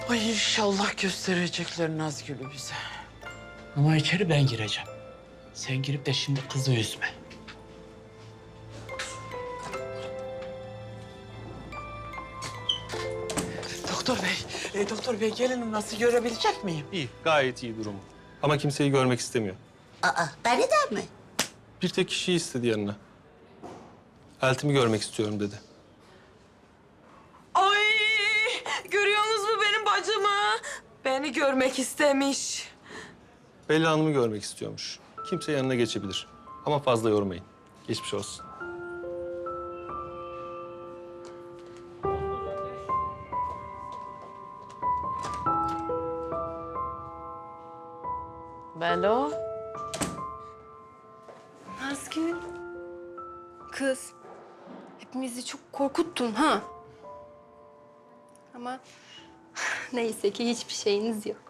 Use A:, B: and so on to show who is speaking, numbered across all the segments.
A: Ay inşallah gösterecekler Nazgül'ü bize. Ama içeri ben gireceğim. Sen girip de şimdi kızı üzme. Doktor bey gelinim nasıl görebilecek miyim?
B: İyi, gayet iyi durumu. Ama kimseyi görmek istemiyor.
C: Aa, beni de mi?
B: Bir tek kişiyi istedi yanına. Eltimi görmek istiyorum dedi.
D: Ay, görüyorsunuz mu benim bacımı? Beni görmek istemiş.
B: Bella Hanım'ı görmek istiyormuş. Kimse yanına geçebilir. Ama fazla yormayın. Geçmiş olsun.
A: Belo.
E: Nazgül. Kız. Hepimizi çok korkuttun ha. Ama neyse ki hiçbir şeyiniz yok.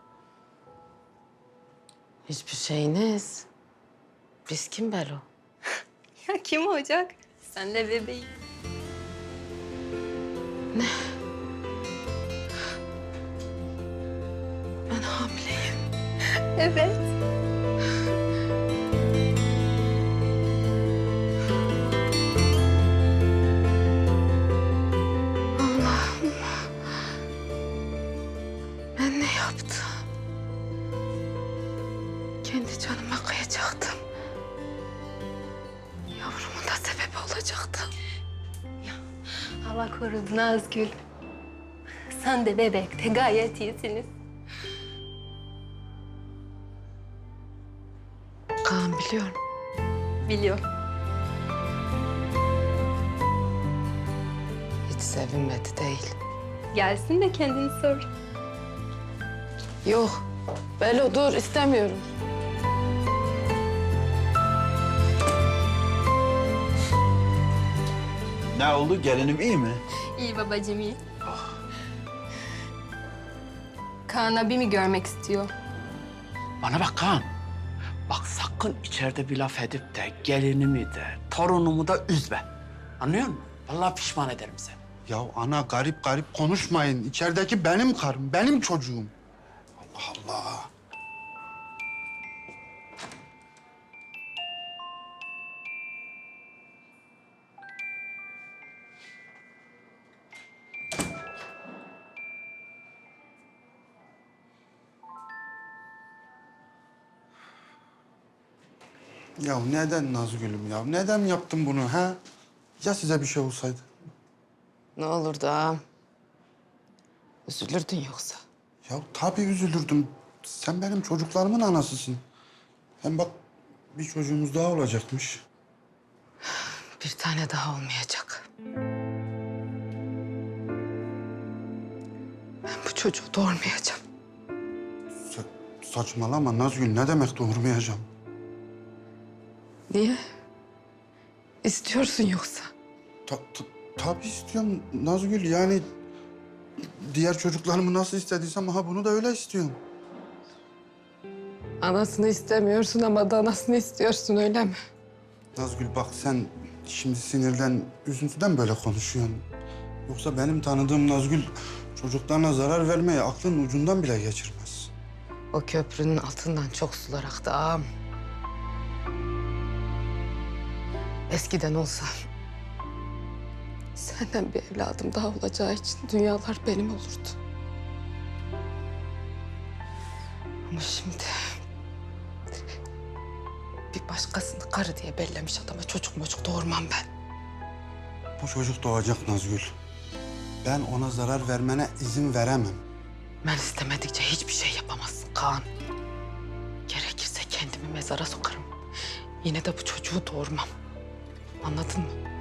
D: Hiçbir şeyiniz. Biz kim Belo?
E: Ya kim olacak? Sen de bebeğim.
D: Ben hamileyim.
E: Evet.
D: Ben ne yaptım? Kendi canıma kıyacaktım. Yavrumun da sebebi olacaktım.
E: Allah korudu Nazgül. Sen de bebek de gayet iyisiniz.
D: Kaan biliyorum.
E: Biliyorum.
D: Hiç sevinmedi değil.
E: Gelsin de kendini sor.
D: Yok. Belo dur istemiyorum.
F: Ne oldu? Gelinim iyi mi?
E: İyi babacığım iyi. Kaan abimi görmek istiyor.
A: Bana bak Kaan. Bak sakın içeride bir laf edip de gelinimi de torunumu da üzme. Anlıyor musun? Vallahi pişman ederim seni.
F: Ya ana garip garip konuşmayın. İçerideki benim karım, benim çocuğum. Allah Allah. Ya neden Nazgül'üm ya? Neden yaptın bunu ha? Ya size bir şey olsaydı?
D: Ne olur da üzülürdün yoksa.
F: Ya tabii üzülürdüm. Sen benim çocuklarımın anasısın. Hem bak bir çocuğumuz daha olacakmış.
D: Bir tane daha olmayacak. Ben bu çocuğu doğurmayacağım.
F: Saçmalama Nazgül. Ne demek doğurmayacağım?
D: Niye? İstiyorsun yoksa?
F: Tabii istiyorum Nazgül. Yani diğer çocuklarımı nasıl istediysem aha bunu da öyle istiyorum.
D: Anasını istemiyorsun ama danasını istiyorsun öyle mi?
F: Nazgül bak sen şimdi sinirden, üzüntüden böyle konuşuyorsun. Yoksa benim tanıdığım Nazgül çocuklarına zarar vermeye aklının ucundan bile geçirmez.
D: O köprünün altından çok sular aktı ağam. Eskiden olsa senden bir evladım daha olacağı için dünyalar benim olurdu. Ama şimdi bir başkasını karı diye bellemiş adama çocuk doğurmam ben.
F: Bu çocuk doğacak Nazgül. Ben ona zarar vermene izin veremem.
D: Ben istemedikçe hiçbir şey yapamazsın Kaan. Gerekirse kendimi mezara sokarım. Yine de bu çocuğu doğurmam. Anladın mı?